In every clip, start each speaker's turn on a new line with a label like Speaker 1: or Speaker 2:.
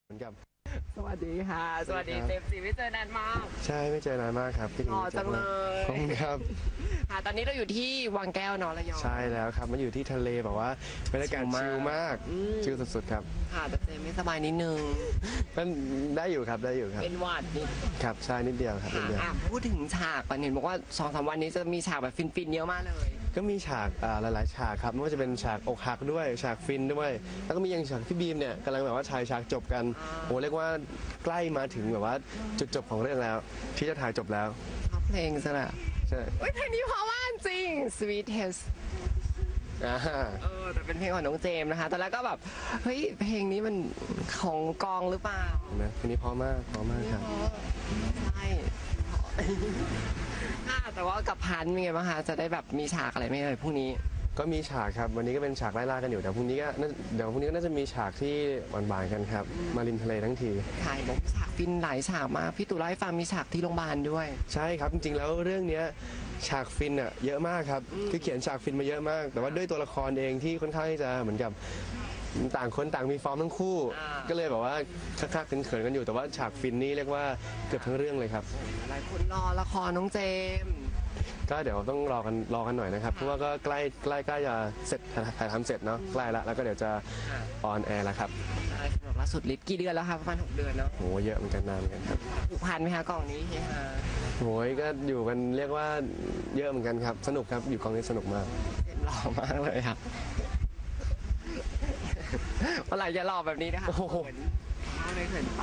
Speaker 1: เหมือนกับ
Speaker 2: สวัสดีค่ะสวัสดีเต็มสีไม่เจอนานมาก
Speaker 1: ใช่ไม่เจอนานมากครับพี่
Speaker 2: หล่อจังเลย
Speaker 1: ขอบคุณครับ
Speaker 2: ค่ะตอนนี้เราอยู่ที่วังแก้วเนอะระยอง
Speaker 1: ใช่แล้วครับมันอยู่ที่ทะเลแบบว่าบรรยากาศชิลมากชิลสุดๆครับ
Speaker 2: ค่ะแต่เจมไม่สบายนิดนึง
Speaker 1: ก็ได้อยู่ครับได้อยู่ครับ
Speaker 2: เป็นหวัดนิด
Speaker 1: ครับใช่นิดเดียวครับนิดเดียว
Speaker 2: พูดถึงฉากปันเห็นบอกว่า2-3 วันนี้จะมีฉากแบบฟินๆเยอะมากเลย
Speaker 1: ก็มีฉากหลายๆฉากครับไม่ว่าจะเป็นฉากอกหักด้วยฉากฟินด้วยแล้วก็มีอย่างฉากพี่บีมเนี่ยกำลังแบบว่าถ่ายฉากจบกันโอ้เรียกว่าใกล้มาถึงแบบว่าจุดจบของเรื่องแล้วที่จะถ่ายจบแล้ว
Speaker 2: ชอบเพลงซะนะ
Speaker 1: ใช่
Speaker 2: เพลงนี้เพราะว่าจริง Sweetest แต่เป็นเพลงของน้องเจมส์นะคะตอนแรกก็แบบเฮ้ยเพลงนี้มันของกองหรือเปล่า
Speaker 1: นะเพลงนี้เพราะมากครับ
Speaker 2: ใช่แต่ว่ากับพันเป็นไงบ้างคะจะได้แบบมีฉากอะไรไหมเอ่ยพรุ่งนี้
Speaker 1: ก็มีฉากครับวันนี้ก็เป็นฉากไล่ล่ากันอยู่แต่พรุ่งนี้ก็เดี๋ยวพรุ่งนี้ก็น่าจะมีฉากที่หวานๆกันครับมาริมทะเลทั้งที
Speaker 2: ถ่ายบอกฉากฟินหลายฉากมากพี่ตู่เล่าให้ฟังมีฉากที่โรงพยาบาลด้วย
Speaker 1: ใช่ครับจริงๆแล้วเรื่องนี้ฉากฟินอ่ะเยอะมากครับคือเขียนฉากฟินมาเยอะมาก แต่ว่าด้วยตัวละครเองที่ค่อนข้างที่จะเหมือนกับต่างคนต่างมีฟอร์มทั้งคู่ก็เลยแบบว่าคักๆเขินๆกันอยู่แต่ว่าฉากฟินนี่เรียกว่าเกือบทั้งเรื่องเลยครับ
Speaker 2: หลายคนรอละครน้องเจม
Speaker 1: ก็เดี๋ยวต้องรอกันหน่อยนะครับเพราะว่าก็ใกล้จะเสร็จถ่ายทำเสร็จเนาะใกล้ละแล้วก็เดี๋ยวจะออนแอร์แล้วครับ
Speaker 2: ล่าสุดลิฟกี่เดือนแล้วคะประมาณ6 เดือนเนาะ
Speaker 1: โหเยอะเหมือนกันนานเหมือนกันครับ
Speaker 2: ผูกพันไหมคะกล่องนี้เฮีย
Speaker 1: โหยก็อยู่กันเรียกว่าเยอะเหมือนกันครับสนุกครับอยู่กองนี้สนุกมาก
Speaker 2: หล่อมากเลยครับเมื่อไหร่จะหล่อแบบนี้นะคะ
Speaker 1: โอ้โห
Speaker 2: ไม่เขินไป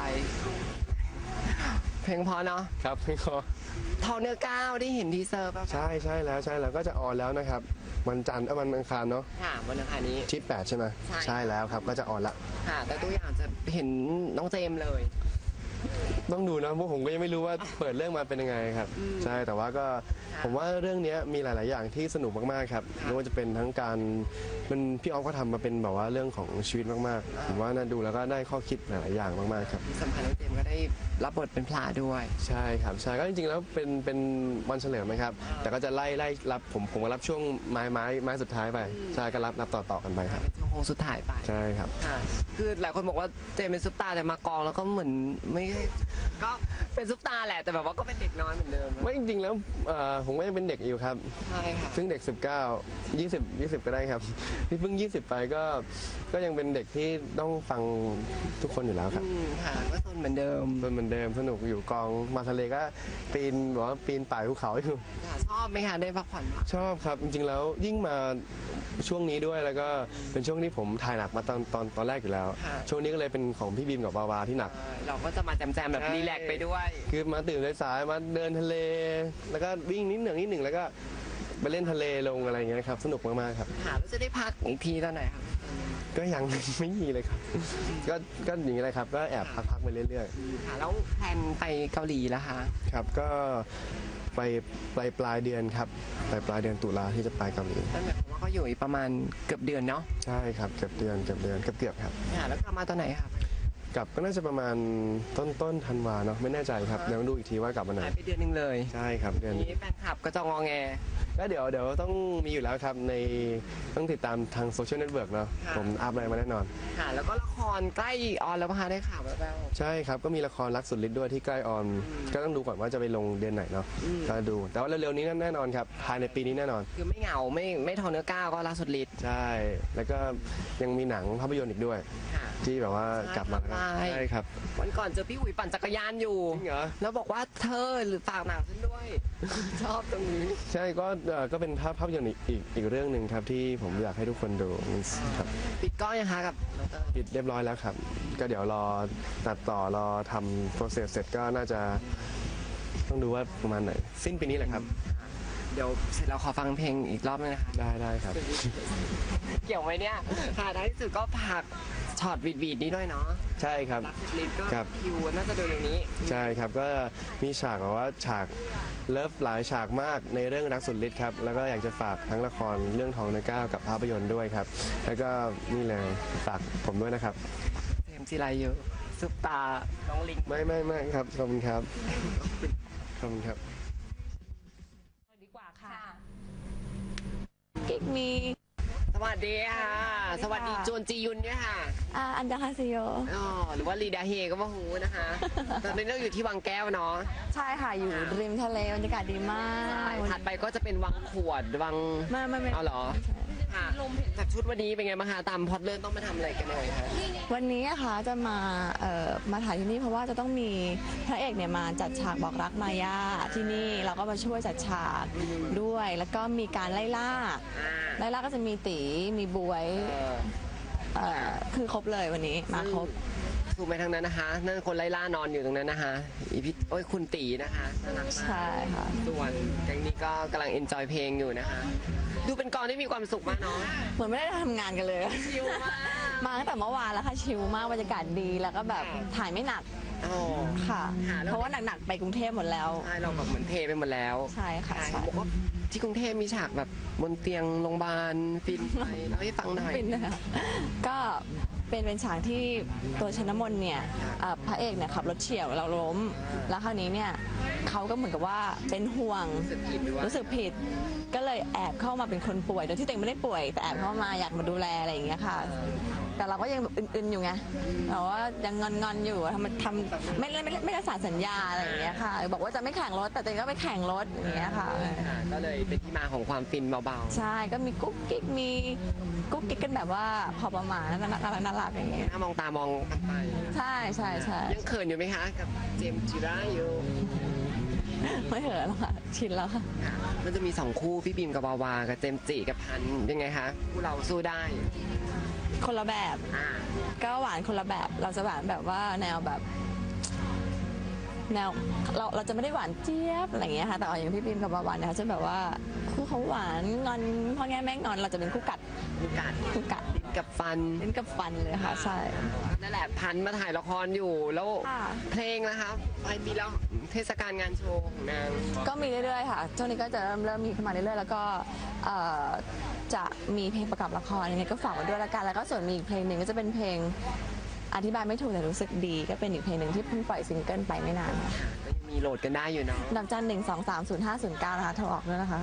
Speaker 2: เพลงพอเนาะ
Speaker 1: ครับเพลงพอ
Speaker 2: ทองเนื้อก้าวได้เห็นทีเซอร์ป่ะ
Speaker 1: ใช่แล้วก็จะออนแล้วนะครับวันจันทร์วันอังคารเนาะ
Speaker 2: ค่ะวันอังคารนี้
Speaker 1: ที่8ใช่ไหมใช่แล้วครับก็จะออนละ
Speaker 2: ค่ะแต่ตัวอย่างจะเห็นน้องเจมเลย
Speaker 1: ต้องดูนะเพราะผมก็ยังไม่รู้ว่าเปิดเรื่องมาเป็นยังไงครับใช่แต่ว่าก็ผมว่าเรื่องนี้มีหลาย ๆ อย่างที่สนุกมาก ๆ ครับไม่ว่าจะเป็นทั้งการมันพี่ออฟก็ทำมาเป็นแบบว่าเรื่องของชีวิตมาก ๆ ผมว่าน่าดูแล้วก็ได้ข้อคิดหลาย ๆ อย่างมาก ๆ ครับ
Speaker 2: สำคัญน้องเจมก็ได้รับบทเป็นพระด้วย
Speaker 1: ใช่ครับใช่ก็จริง ๆ แล้วเป็นวันเฉลิมไหมครับแต่ก็จะไล่รับผมก็รับช่วงไม้สุดท้ายไปใช่ก็รับต่อกันไปครับ
Speaker 2: ช่วงโค้งสุดท้ายไป
Speaker 1: ใช่ครับ
Speaker 2: คือหลายคนบอกว่าเจมเป็นซุปตาแต่มากองแล้วก็เหมือนไม่ก็เป็นซุปตาแหละแต่แบบว่าก็เป็นเด็กน้อยเหมือนเดิม
Speaker 1: ไม่จริงๆแล้วผมก็ยังเป็นเด็กอยู่ครับ
Speaker 2: ใช่ค่ะ
Speaker 1: ซึ่งเด็ก19 20ก็ได้ครับที่เพิ่ง20ไปก็ยังเป็นเด็กที่ต้องฟังทุกคนอยู่แล้วครับ
Speaker 2: ค่ะก็สนเหมือนเดิม
Speaker 1: สนุกอยู่กองมาทะเลก็ปีนป่ายภูเขาอยู่
Speaker 2: ชอบไหมคะได้พักผ่อน
Speaker 1: ชอบครับจริงๆแล้วยิ่งมาช่วงนี้ด้วยแล้วก็เป็นช่วงที่ผมถ่ายหนักมาตอนแรกอยู่แล้วช่วงนี้ก็เลยเป็นของพี่บีมกับวาวาที่หนัก
Speaker 2: เราก็จะมาแจมแบบรีแลกไปด้วย
Speaker 1: คือมาตื่นสายๆมาเดินทะเลแล้วก็วิ่งนิดหนึ่งแล้วก็ไปเล่นทะเลลงอะไรอย่างเงี้ยครับสนุกมากๆครับ
Speaker 2: แล้วจะได้พักอีกทีตอนไหนครับ
Speaker 1: ก็ยังไม่มีเลยครับก็อย่างนี้เลยครับก็แอบพักไปเรื่อย
Speaker 2: ๆค่ะแล้วแพลนไปเกาหลีแล้วคะ
Speaker 1: ครับก็ไปปลายเดือนครับปลายเดือนตุลาที่จะไปเกาหลี
Speaker 2: นั่นหมายความว่าก็อยู่อีกประมาณเกือบเดือนเนาะ
Speaker 1: ใช่ครับเกือบเดือนครับ
Speaker 2: แล้วกลับมาตอนไหนครับ
Speaker 1: กลับก็น่าจะประมาณต้นธันวาเนาะไม่แน่ใจครับเดี๋ยวดูอีกทีว่ากลับมาไหน
Speaker 2: ไปเดือนนึงเลย
Speaker 1: ใช่ครับเดือน
Speaker 2: นี้แฟนคลับก็จะงอแง
Speaker 1: ก็เดี๋ยวต้องมีอยู่แล้วครับในต้องติดตามทางโซเชียลเน็ตเวิร์กเนาะผมอัพอะไรมาแน่นอน
Speaker 2: ค่ะแล้วก็ละครใกล้ออนแล้วป่ะคะได้ข่าวแล้ว
Speaker 1: ใช่ครับก็มีละครรักสุดฤทธิ์ด้วยที่ใกล้ออนก็ต้องดูก่อนว่าจะไปลงเดือนไหนเนาะก็ดูแต่ว่าเร็วๆนี้แน่นอนครับภายในปีนี้แน่นอน
Speaker 2: คือไม่เหงาไม่ทอเนื้อก้าวก็รักสุดฤทธิ์
Speaker 1: ใช่แล้วก็ยังมีหนังภาพยนตร์อีกด้วยที่แบบว่ากลับมาใช่ครับ
Speaker 2: วันก่อนเจอพี่อุ๋ยปั่นจักรยานอยู่
Speaker 1: จริงเหรอ
Speaker 2: แล้วบอกว่าเธอหรือฝากหนังฉันด้วยชอบตรงนี้
Speaker 1: ใช่ก็เป็นภาพยนตร์อีกเรื่องหนึ่งครับที่ผมอยากให้ทุกคนดูครับ
Speaker 2: ปิดกล้องยังคะกับ
Speaker 1: ปิดเรียบร้อยแล้วครับก็เดี๋ยวรอตัดต่อรอทำโปรเซสเสร็จก็น่าจะต้องดูว่าประมาณไหนสิ้นปีนี้แหละครับ
Speaker 2: เดี๋ยวเสร็จเราขอฟังเพลงอีกรอบนึงนะคะ
Speaker 1: ได้ครับ
Speaker 2: เกี่ยวไหมเนี่ยค่ะท้ายที่สุดก็ผักช็อตวีดนี้ด้วยเนาะ
Speaker 1: ใช่ครับ
Speaker 2: ลิฟก็คิวน่าจะดูเร็วนี้
Speaker 1: ใช่ครับก็มีฉากแบบว่าฉากเลิฟหลายฉากมากในเรื่องรักสุดฤทธิ์ครับแล้วก็อยากจะฝากทั้งละครเรื่องทองในก้าวกับภาพยนตร์ด้วยครับแล้วก็นี่เลยฝากผมด้วยนะครับ
Speaker 2: เต็มจีไรเยอะซุปตาน้องลิง
Speaker 1: ไม่ครับขอบคุณครับ
Speaker 2: ดีกว่าค่ะ
Speaker 3: Give me
Speaker 2: สวัสดีค่ะ สวัสดีจวนจียุนด้วยค่ะ
Speaker 3: อันดาคาซิโย
Speaker 2: อ๋อหรือว่าลีดาเฮก็ว่าหูนะคะ ตอนนี้เราอยู่ที่วังแก้วเนาะ
Speaker 3: ใช่ค่ะ อยู่ริมทะเลบรรยากาศดีมาก
Speaker 2: ถัดไปก็จะเป็นวังขวดวัง
Speaker 3: ไม่
Speaker 2: เอาเหรอค่ะจากชุดวันนี้เป็นไงบ้างคะตามพล็อตเรื่องต้องมาทำอะไรกันเลยคะ
Speaker 3: วันนี้นะคะจะมาถ่ายที่นี่เพราะว่าจะต้องมีพระเอกเนี่ยมาจัดฉากบอกรักมายาที่นี่เราก็มาช่วยจัดฉากด้วย แล้วก็มีการไล่ล่าก็จะมีตีมีบวยคือครบเลยวันนี้มาครบ
Speaker 2: ซูมไปทางนั้นนะคะนั่นคนไล่ล่านอนอยู่ตรงนั้นนะคะอีพี่โอ้ยคุณตีนะคะน่ารักมาก
Speaker 3: ใช่ค่ะ
Speaker 2: ส่วนแก๊งนี้ก็กำลังเอนจอยเพลงอยู่นะคะ ดูเป็นกองที่มีความสุขมากเนาะ
Speaker 3: เหมือนไม่ได้ทำงานกันเลย
Speaker 2: ชิลมาก
Speaker 3: มาตั้งแต่เมื่อวานแล้วค่ะชิลมากบรรยากาศดีแล้วก็แบบถ่ายไม่หนัก
Speaker 2: อ๋อ
Speaker 3: ค่ะ
Speaker 2: ค่ะแล้ว
Speaker 3: เพราะว่าหนักๆไปกรุงเทพหมดแล้ว
Speaker 2: ใช่เราแบบเหมือนเทไปหมดแล้ว
Speaker 3: ใช่ค่ะใช่
Speaker 2: บอกว่าที่กรุงเทพมีฉากแบบบนเตียงโรงพยาบาลฟินไปเล่าให้ฟังหน่อย
Speaker 3: ฟินนะคะก็เป็นฉากที่ตัวชนมนเนี่ยพระเอกเนี่ยขับรถเฉี่ยวเราล้ม แล้วคราวนี้เนี่ยเขาก็เหมือนกับว่าเป็นห่วง
Speaker 2: รู้สึกผิดหรือว่า
Speaker 3: รู้สึกผิด ก็เลยแอบเข้ามาเป็นคนป่วยโดยที่ตัวเองไม่ได้ป่วย แต่แอบเข้ามาอยากมาดูแลอะไรอย่างเงี้ยค่ะ แต่เราก็ยังแบบอึนๆอยู่ไงแต่ว่ายังงอนๆอยู่ทำไม่ได้สานสัญญาอะไรอย่างเงี้ยค่ะ บอกว่าจะไม่แข่งรถแต่ตัวเองก็ไปแข่งรถอย่างเงี้ยค่ะ
Speaker 2: ค่ะก็เลยเป็นที่มาของความฟินเบา
Speaker 3: ใช่ก็มีกุ๊กกิ๊กกันแบบว่าพอประมาณน่ารักอย่างเงี้ย
Speaker 2: ๆถ้ามองตามองกันไป
Speaker 3: ใช่ใช่
Speaker 2: ยังเขินอยู่ไหมคะกับเจมส์จิรายุ
Speaker 3: ไม่เหอะแล้วค่ะ ชินแล้วค่ะ
Speaker 2: ค่ะมันจะมีสองคู่พี่บีมกับวาวากับเจมส์จิกับพันธุ์ยังไงคะคู่เราสู้ได้
Speaker 3: คนละแบบ
Speaker 2: อ่า
Speaker 3: ก็หวานคนละแบบเราจะหวานแบบว่าแนวแบบแนวเราจะไม่ได้หวานเจี๊ยบอะไรอย่างเงี้ยค่ะแต่อย่างพี่บีมกับวาวานเนี่ยเขาจะแบบว่าคู่เขาหวานงอนพ่อแง่แม่งอนเราจะเป็นคู่กัด
Speaker 2: คู่กัด
Speaker 3: คู่กัด
Speaker 2: กับฟัน
Speaker 3: เล่นกับฟันเลยค่ะใช่
Speaker 2: นั่นแหละพันธุ์มาถ่ายละครอยู่แล้ว
Speaker 3: ค่ะ
Speaker 2: เพลงนะคะปลายปีแล้วเทศกาลงานโชว์ของนาง
Speaker 3: ก็มีเรื่อยๆค่ะช่วงนี้ก็จะเริ่มมีเข้ามาเรื่อยๆแล้วก็จะมีเพลงประกอบละครยังไงก็ฝากไว้ด้วยละกันแล้วก็ส่วนมีอีกเพลงหนึ่งก็จะเป็นเพลงอธิบายไม่ถูกแต่รู้สึกดี ก็เป็นอีกเพลงหนึ่งที่เพิ่งปล่อยซิงเกิลไปไม่นานค่ะ
Speaker 2: ก็ยังมีโหลดกันได้อยู่เนาะ
Speaker 3: ดอกจัน1230509นะคะโทรออกด้วยนะคะ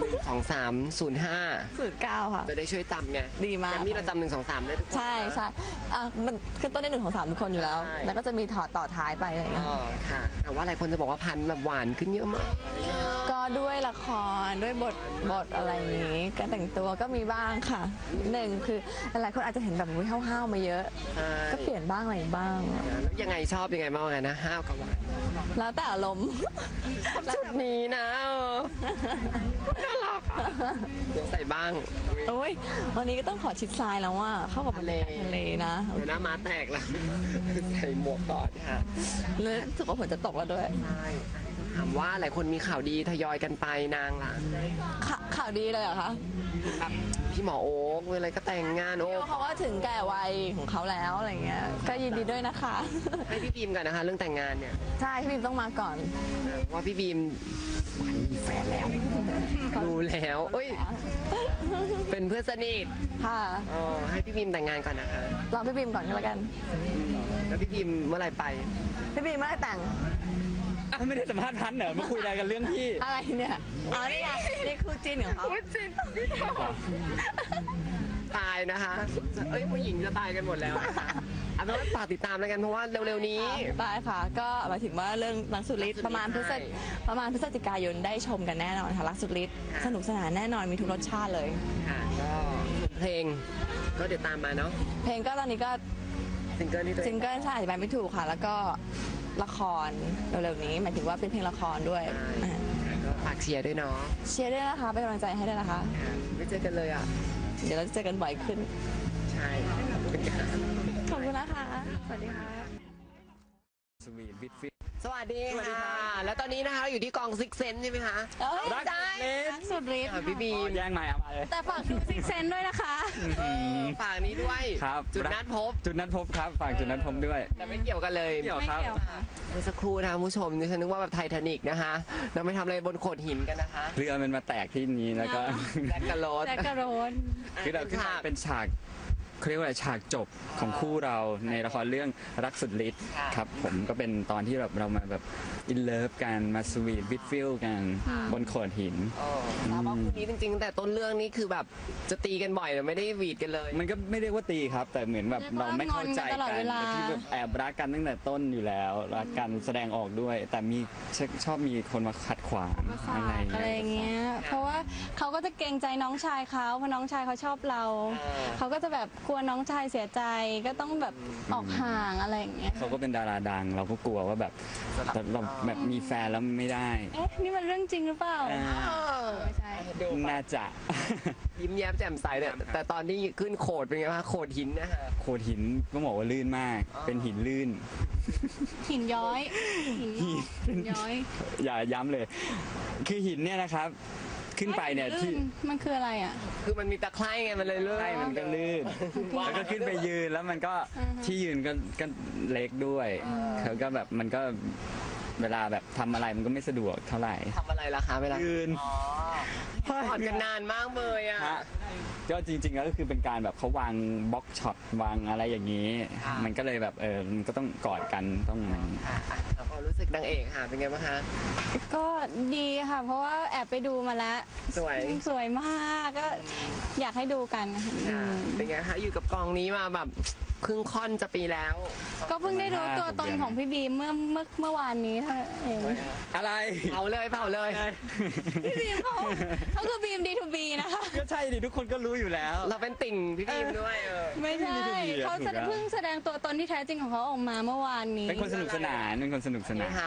Speaker 2: 2305
Speaker 3: 09ค่ะ
Speaker 2: จะได้ช่วยจำไง
Speaker 3: ดีมาก
Speaker 2: แกรมมี่เราจำ123ได้ทุกคน
Speaker 3: ใช่มันคือต้นได้1 2 3ทุกคนอยู่แล้ว
Speaker 2: ใช่
Speaker 3: แล้วก็จะมีถอดต่อท้ายไปอะไรอย่างเงี้ย
Speaker 2: อ๋อค่ะ แต่ว่าหลายคนจะบอกว่าพันธุ์แบบหวานขึ้นเยอะมาก
Speaker 3: ก็ด้วยละครด้วยบทอะไรอย่างนี้การแต่งตัวก็มีบ้างค่ะหนึ่งคือหลายคนอาจจะเห็นแบบวิห้าวๆมาเยอะ
Speaker 2: ใช่
Speaker 3: ก็เปลี่ยนบ้างอะไรบ้าง
Speaker 2: แล้วยังไงชอบยังไงบ้างกันนะห้าวกับหวาน
Speaker 3: แล้วแต่อารมณ์
Speaker 2: ชุดนี้นะน่ารักอะเดี๋ยวใส่บ้าง
Speaker 3: โอ้ยวันนี้ก็ต้องขอชิดซ้ายแล้วว่าเข้ากับบรรยากาศทะเลนะ
Speaker 2: เดี๋ยวหน้าม้าแตกแล้ว ใส่หมวกก่อนค่ะ
Speaker 3: แล้วรู้สึกว่าฝนจะตกแล้วด้วย
Speaker 2: ใช่ถามว่าหลายคนมีข่าวดีทยอยกันไปนางล่ะ
Speaker 3: ข่าวดีเลยเหรอคะ
Speaker 2: แบบพี่หมอโอ๊คเวลาก็แต่งงานโอ๊ค
Speaker 3: เขาก็ถึงแก่วัยของเขาแล้วอะไรเงี้ยก็ยินดีด้วยนะคะ
Speaker 2: ให้พี่บีมกันนะคะ เรื่องแต่งงานเนี่ย
Speaker 3: ใช่พี่บีมต้องมาก่อน
Speaker 2: ว่าพี่บีมมีแฟนแล้วรู้แล้วเอ้ยเป็นเพื่อนสนิท
Speaker 3: ค่ะ
Speaker 2: ให้พี่บีมแต่งงานก่อนนะคะ
Speaker 3: รอพี่บีมก่อนก็แล้วกัน
Speaker 2: แล้วพี่บีมเมื่อไหร่ไป
Speaker 3: พี่บีมเมื่อไหร่แต่ง
Speaker 4: อ้าวไม่ได้สัมภาษณ์พันธุ์เหรอมาคุยอะไรกันเรื่องพี่
Speaker 3: อะไรเนี่ยอ๋อนี่ไงนี่คู่จิ้นของเขา
Speaker 2: ตายนะคะ เอ้ยผู้หญิงจะตายกันหมดแล้วนะคะเอาเป็นว่าฝากติดตามแล้วกันเพราะว่าเร็วๆนี้
Speaker 3: ได้ค่ะ ก็หมายถึงว่าเรื่องรักสุดฤทธิ์ประมาณพฤศจิกายนได้ชมกันแน่นอนค่ะรักสุดฤทธิ์สนุกสนานแน่นอนมีทุกรสชาติเลย
Speaker 2: ค่ะก็ส่วนเพลง ก็เดี๋ยวตามมาเนาะ
Speaker 3: เพลงก็ตอนนี้ก็
Speaker 2: ซิงเกิลที่ตัวเอ
Speaker 3: ซิ
Speaker 2: ง
Speaker 3: งเกิลใช่อธิบายไม่ถูกค่ะ แล้วก็ละครเร็วๆนี้หมายถึงว่าเป็นเพลงละครด้วย
Speaker 2: ใช่ก็ฝากเชียร์ด้วยเนาะ
Speaker 3: เชียร์ด้วยนะคะเป็นกำลังใจให้ด้วยนะคะ
Speaker 2: ค่ะไม่เจอกันเลยอ่ะ
Speaker 3: เดี๋ยวเราจะเจอกันบ่อยขึ้น
Speaker 2: ใช่ขอบคุณค่ะ
Speaker 3: ขอบคุณนะคะ สวัสดีค่ะ
Speaker 4: สวีทวิทฟิต
Speaker 2: สวัสดีค่ะ แล้วตอนนี้นะคะเราอยู่ที่กองซิกเซนใช่ไหมคะ
Speaker 4: รักสุดฤทธิ์
Speaker 3: รักสุดฤทธิ์
Speaker 2: ค่ะพี่บีม
Speaker 4: แย่งใหม่เอามาเลย
Speaker 3: แต่ฝากดูซิกเซนด้วยนะคะ
Speaker 2: ฝากนี้ด้วย
Speaker 4: ครับ
Speaker 2: จุดนัดพบ
Speaker 4: จุดนัดพบครับฝากจุดนัดพบด้วย
Speaker 2: แต่ไม่เกี่ยวกันเลย
Speaker 4: เกี่ยว
Speaker 3: ไม่
Speaker 4: ครับ
Speaker 3: เกี่ยวค่ะ
Speaker 2: เมื่อสักครู่นะคะคุณผู้ชมดิฉันนึกว่าแบบไททานิกนะคะเราไม่ทำอะไรบนโขดหินกันนะคะ
Speaker 4: เรือมันมาแตกที่นี้แล้วก็
Speaker 2: แจ็คกะโรส
Speaker 3: แจ็คกะโรน
Speaker 4: คือเราขึ้นมาเป็นฉากเขาเรียกว่าอะไรฉากจบของคู่เราในละครเรื่องรักสุดฤทธิ์ครับผมก็เป็นตอนที่แบบเรามาแบบอินเลิฟกันมาสวีทวิดฟิลกันบนโขดหิน
Speaker 2: แล้วว่าคู่นี้จริงๆแต่ต้นเรื่องนี่คือแบบจะตีกันบ่อยแต่ไม่ได้หวีดกันเลย
Speaker 4: มันก็ไม่เรียกว่าตีครับ แต่เหมือนแบบเราไม่เข้าใจ
Speaker 3: เรียกว่างอนกันตลอด
Speaker 4: กัน
Speaker 3: เวลา
Speaker 4: แต่ที่แบบแอบรักกันตั้งแต่ต้นอยู่แล้วรักกันแสดงออกด้วย แต่มีชอบมีคนมาขัดขวางอะไร
Speaker 3: อะไรอย่างเงี้ย เพราะว่าเขาก็จะเกรงใจน้องชายเขาเพราะน้องชายเขาชอบเรา เขาก็จะแบบกลัวน้องชายเสียใจก็ต้องแบบออกห่างอะไรอย่างเงี้ย
Speaker 4: เขาก็เป็นดาราดัง เราก็กลัวว่าแบบเราแบบมีแฟนแล้วไม่ได้
Speaker 3: เอ๊ะนี่มันเรื่องจริงหรือเปล่า ไม่ใช่
Speaker 2: ดู
Speaker 4: น่าจะ
Speaker 2: ยิ้มแย้มแจ่มใสเนี่ยแต่ตอนที่ขึ้นโขดเป็นไงคะโขดหินนะคะ
Speaker 4: โขดหินก็บอกว่าลื่นมาก เป็นหินลื่น
Speaker 3: หินย้อย หินย้อย
Speaker 4: อย่าย้ำเลย คือหินเนี่ยนะครับ ขึ้นไปเนี่ยที่
Speaker 3: มันคืออะไรอ่ะ
Speaker 2: คือมันมีตะไคร่ไงมันเลยเลื่อน
Speaker 4: ใช่มันก็ลื่น แล้วก็ขึ้นไปยืนแล้วมันก็ที่ยืนก็เล็กด้วยเขาก็แบบมันก็เวลาแบบทำอะไรมันก็ไม่สะดวกเท่าไหร่
Speaker 2: ทำอะไรล่ะคะเวลา
Speaker 4: ยืน
Speaker 2: ถอดกันนานมากเลยอ่ะ
Speaker 4: ฮะก็จริงๆแล้วก็คือเป็นการแบบเขาวางบล็อกช็อตวางอะไรอย่างนี้ มันก็เลยแบบมันก็ต้องกอดกันต้องอะไรอย่างนี้
Speaker 2: แล้วก็รู้สึกนางเอกค่ะเป็นไงบ้างคะ
Speaker 3: ก็ดีค่ะ เพราะว่าแอบไปดูมาแล้ว
Speaker 2: สวย
Speaker 3: สวยมากก็อยากให้ดูกันอืม
Speaker 2: เป็นไงคะอยู่กับกองนี้มาแบบครึ่งค่อนจะปีแล้ว
Speaker 3: ก็เพิ่งได้รู้ตัวตนของพี่บีมเมื่อวานนี้เท่านั้นเอง
Speaker 4: อะไร
Speaker 2: เผาเลยเผาเลย
Speaker 3: พี่บีมเขาคือบีม D2B นะคะ
Speaker 4: ก็ใช่ดิทุกคนก็รู้อยู่แล้ว
Speaker 2: เราเป็นติ่งพี่บีมด้วย
Speaker 3: ไม่ใช่
Speaker 4: D2B อะ
Speaker 3: เขา
Speaker 4: ถูกแล้ว
Speaker 3: เพิ่งแสดงตัวตนที่แท้จริงของเขาออกมาเมื่อวานนี้
Speaker 4: เป็นคนสนุกสนานเป็นคนสนุกสนาน
Speaker 2: ค่ะ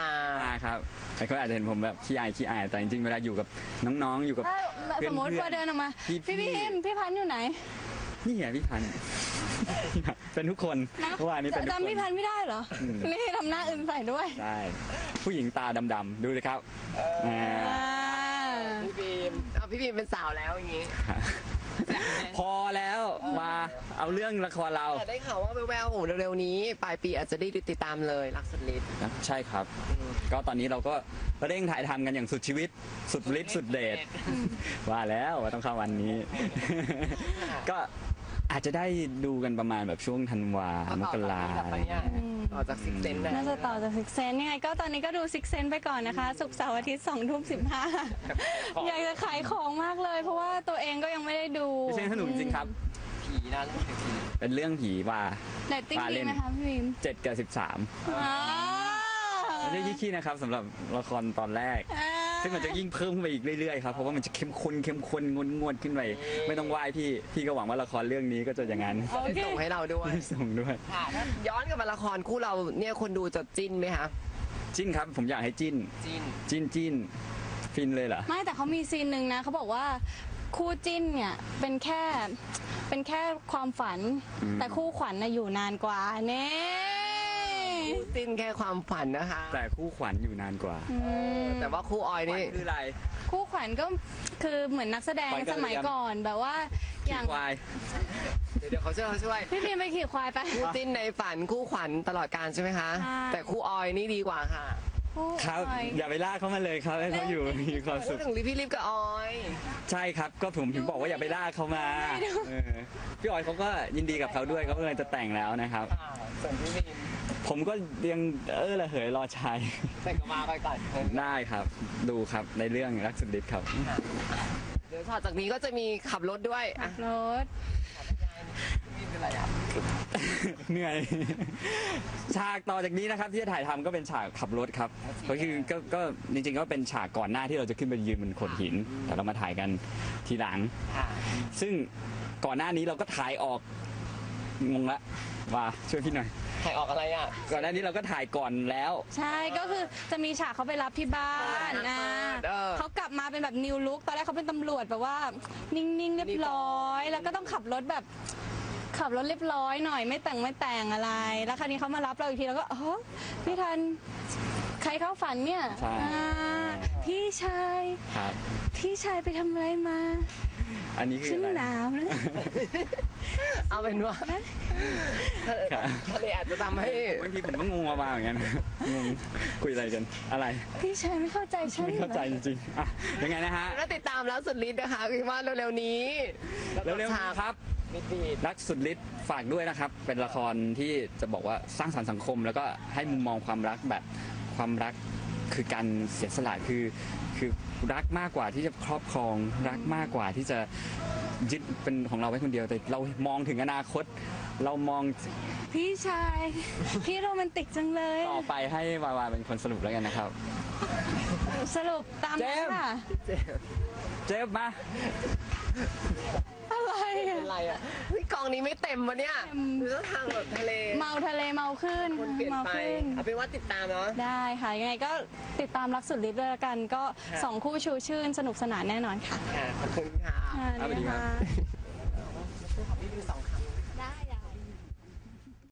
Speaker 4: ครับแต่เขาอาจจะเห็นผมแบบขี้อายแต่จริงๆเวลาอยู่กับน้องๆอยู่กับ
Speaker 3: ถ้าสมมติ
Speaker 4: เพื่อนๆ
Speaker 3: ว่าเดินออกมา
Speaker 4: พี่
Speaker 3: พี่บีมพี่พันธุ์อยู่ไหน
Speaker 4: นี่ไงพี่พันธุ์ เป็นทุกคนเมื่อวานนี้เป็นทุกคน
Speaker 3: จำพี่พันธุ์ไม่ได้เหรอ นี่ทำหน้าอื่นใส่ด้วย
Speaker 4: ใช่ผู้หญิงตาดำๆดูเลยครับา
Speaker 2: พี่บีมเอาพี่บีมเป็นสาวแล้วอย่างงี้
Speaker 4: พอแล้วมาเอาเรื่องละครเรา
Speaker 2: แต่ได้ข่าวว่าแววๆโอ้เร็วๆนี้ปลายปีอาจจะได้ติดตามเลยรักสุดฤทธิ์
Speaker 4: ใช่ครับ ก็ตอนนี้เราก็เร่งถ่ายทำกันอย่างสุดชีวิต สุดฤทธิ์สุดเดชว่าแล้วว่าต้องเข้าวันนี้ ก็อาจจะได้ดูกันประมาณแบบช่วงธันวามกราอะไรอย่างเงี้ย
Speaker 2: ต่อจากซิกเซนได้
Speaker 3: น่าจะต่อจากซิกเซนยังไงก็ตอนนี้ก็ดูซิกเซนไปก่อนนะคะ ศุกร์เสาร์อาทิตย์2:15 อยากจะขายของมากเลย เพราะว่าตัวเองก็ยังไม่ได้ดู
Speaker 4: ไม่ใช่สนุกจริงครับ
Speaker 2: ผีนะเรื่องผี
Speaker 4: เป็นเรื่องผีว่า
Speaker 3: เรตติ้งดีไหมคะพี่บีม
Speaker 4: 7 กับ 13
Speaker 3: อ๋อ
Speaker 4: ไม่ได้ขี้ๆนะครับสำหรับละครตอนแรก ซึ่งมันจะยิ่งเพิ่มขึ้นไปอีกเรื่อยๆครับ เพราะว่ามันจะเข้มข้นงวดขึ้นไป ไม่ต้องไหว้พี่ก็หวังว่าละครเรื่องนี้ก็จะอย่างนั้น
Speaker 3: โอเค
Speaker 2: ส่งให้เราด้วย
Speaker 4: ส่งด้วย
Speaker 2: ค่ะถ้าย้อนกลับมาละครคู่เราเนี่ยคนดูจะจิ้นไหมคะ
Speaker 4: จิ้นครับผมอยากให้จิ้น
Speaker 2: จิ้น
Speaker 4: ฟินเลยเหรอ
Speaker 3: ไม่แต่เขามีซีนหนึ่งนะเขาบอกว่าคู่จิ้นเนี่ยเป็นแค่ความฝัน แต่คู่ขวัญน่ะอยู่นานกว่าเน่
Speaker 2: คู่จิ้นแค่ความฝันนะคะ
Speaker 4: แต่คู่ขวัญอยู่นานกว่า
Speaker 2: แต่ว่าคู่ออยนี่
Speaker 4: คืออะไร
Speaker 3: คู่ขวัญก็คือเหมือนนักแสดง
Speaker 4: ขวัญกะเหรี่ยง
Speaker 3: สมัยก่อนแบบว่าอย่าง
Speaker 4: วาย
Speaker 2: เดี๋ยวเขาช่วย
Speaker 3: พี่บีมไปขี่ควายไป
Speaker 2: คู่จิ้นในฝันคู่ขวัญตลอดการใช่ไหมคะ
Speaker 3: ใช่
Speaker 2: แต่คู่ออยนี่ดีกว่าค่ะ
Speaker 3: คู่
Speaker 4: ครับ
Speaker 3: ออย
Speaker 4: อย่าไปลากเขามาเลยครับให้เขาอยู่มีความ
Speaker 2: พู
Speaker 4: สุ
Speaker 2: ด
Speaker 4: ข
Speaker 2: ถึงพี่ลิฟกับออย
Speaker 4: ใช่ครับ ก็ผมถึงบอกว่าอย่าไปลากเขามาเออพี่ออยเขาก็ยินดีกับเขาด้วยเขากำลังจะแต่งแล้วนะครับ
Speaker 2: ส่วนพี่ลิฟ
Speaker 4: ผมก็ยังระเหยรอชาย
Speaker 2: แต่งกับมาไปก่อน
Speaker 4: ได้ครับ ดูครับในเรื่องรักสุดฤทธิ์ครับ
Speaker 2: เดี๋ยวจากนี้ก็จะมีขับรถด้วยอ่ะ
Speaker 3: รถ
Speaker 2: นี่เป็นไรอ่ะ
Speaker 4: เหนื่อย ฉากต่อจากนี้นะครับที่จะถ่ายทำก็เป็นฉากขับรถครับก็คือก็จริงๆก็เป็นฉากก่อนหน้าที่เราจะขึ้นไปยืนบนโขดหิน แต่เรามาถ่ายกันทีหลัง
Speaker 2: ค่ะ
Speaker 4: ซึ่งก่อนหน้านี้เราก็ถ่ายออกงงละว่าช่วยพี่หน่อย
Speaker 2: ถ่ายออกอะไรอ่ะ
Speaker 4: ก่อนหน้านี้เราก็ถ่ายก่อนแล้ว
Speaker 3: ใช่ก็คือจะมีฉากเขาไปรับที่บ้านนะ
Speaker 2: เออ
Speaker 3: เขากลับมาเป็นแบบนิวลุคตอนแรกเขาเป็นตำรวจแบบว่า นิ่งๆเรียบร้อย แล้วก็ต้องขับรถแบบขับรถเรียบร้อยหน่อยไม่แต่งอะไร แล้วคราวนี้เขามารับเราอีกทีแล้วก็อ๋อพี่ทันใครเข้าฝันเนี่ย
Speaker 4: ใช่
Speaker 3: อ่าพี่ชาย
Speaker 4: ครับ
Speaker 3: พี่ชายไปทำอะไรมา
Speaker 4: อันนี้คือ
Speaker 3: ฉัน
Speaker 4: อะไร
Speaker 3: หนาวนะ
Speaker 2: เอาเป็นว่า
Speaker 4: ครับ
Speaker 2: ทะเลอาจจะทำให้
Speaker 4: บางทีผมก็งงมาเหมือนกันงงคุยอะไรกันอะไร
Speaker 3: พี่ชายไม่เข้าใจฉัน
Speaker 4: ไม่
Speaker 3: เหร
Speaker 4: เข้าใจ
Speaker 3: อ
Speaker 4: จริงๆอ่ะยังไงนะฮะ
Speaker 2: แล้วติดตามแล้วสุดฤทธิ์นะคะคิดว่าเร็วๆนี้
Speaker 4: เร็วๆนี้ครับ
Speaker 2: มิดบีด
Speaker 4: รักสุดฤทธิ์ฝากด้วยนะครับ เป็นละครที่จะบอกว่าสร้างสรรค์สังคม แล้วก็ให้มุมมองความรักแบบความรักคือการเสียสละคือรักมากกว่าที่จะครอบครองรักมากกว่าที่จะยึดเป็นของเราไว้คนเดียวแต่เรามองถึงอนาคต เรามอง
Speaker 3: พี่ชาย พี่โรแมนติกจังเลย
Speaker 4: ต่อไปให้วาวาเป็นคนสรุปแล้วกันนะครับ
Speaker 3: สรุปตามนั้นค่ะ
Speaker 4: เจฟมา
Speaker 3: อะไร
Speaker 2: เป็
Speaker 3: อะ
Speaker 2: นไรอ่ะเฮ้ยกองนี้ไม่เต็มวะเนี่ยดูต้องทางแบบทะเล
Speaker 3: เมาทะเลเมาขึ้น
Speaker 2: คนเปลี่ยน
Speaker 3: เมา
Speaker 2: ไป
Speaker 3: ขึ้น
Speaker 2: เอาเป็นว่าติดตามเนาะ
Speaker 3: ได้ค่ะ ยังไงก็ติดตามรักสุดฤทธิ์ด้วยละกัน ก็
Speaker 2: ค่ะ
Speaker 3: 2 คู่ชูชื่นสนุกสนานแน่นอนค่ะ
Speaker 2: ค่ะขอบคุณค่ะ
Speaker 3: ค่ะ
Speaker 4: สวัสดีครับ
Speaker 3: ค่ะ
Speaker 2: ขอบพี่ดูสอง